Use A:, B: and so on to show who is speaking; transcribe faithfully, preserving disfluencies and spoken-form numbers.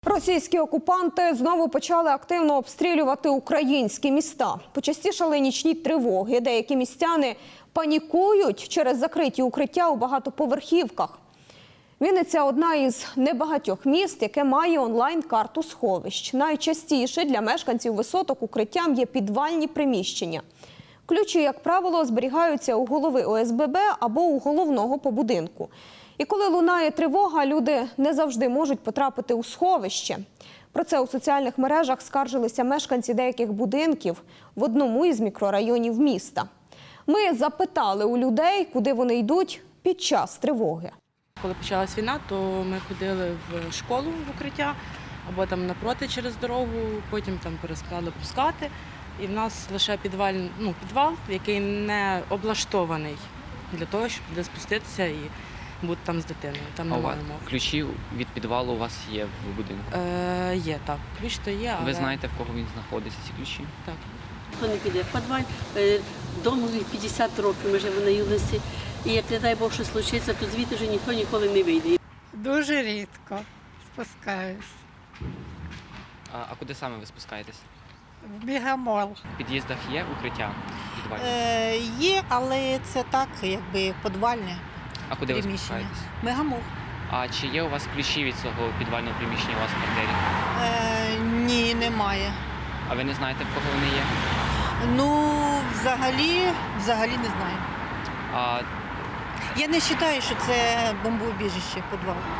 A: Російські окупанти знову почали активно обстрілювати українські міста. Почастішали нічні тривоги. Деякі містяни панікують через закриті укриття у багатоповерхівках. Вінниця – одна із небагатьох міст, яке має онлайн-карту сховищ. Найчастіше для мешканців висоток укриттям є підвальні приміщення. Ключі, як правило, зберігаються у голови О С Б Б або у головного по будинку. І коли лунає тривога, люди не завжди можуть потрапити у сховище. Про це у соціальних мережах скаржилися мешканці деяких будинків в одному із мікрорайонів міста. Ми запитали у людей, куди вони йдуть під час тривоги.
B: Коли почалась війна, то ми ходили в школу в укриття, або там напроти через дорогу, потім там перестали пускати. І в нас лише підвал, ну, підвал, який не облаштований для того, щоб туди спуститися і бути там з дитиною. Там немає умов.
C: Ключі від підвалу у вас є в будинку?
B: Е, є, так. Ключ то є, але...
C: Ви знаєте, в кого він знаходиться, ці ключі?
B: Так.
D: Хто не піде в підвал, дому п'ятдесят років ми живемо на юності, і як не дай Бог, що случиться, то звідти вже ніхто ніколи не вийде.
E: Дуже рідко спускаюсь.
C: А, а куди саме ви спускаєтесь?
E: В бігамол.
C: В під'їздах є укриття підвальне?
F: Е, є, але це так, якби підвальне
C: А куди ви
F: приміщення.
C: спускаєтесь?
F: Мегамол.
C: А чи є у вас ключі від цього підвального приміщення у вас в квартирі?
F: Е, ні, немає.
C: А ви не знаєте, в кого вони є?
F: Ну, взагалі, взагалі не знаю.
C: А
F: Я не вважаю, що це бомбоубіжище, підвал.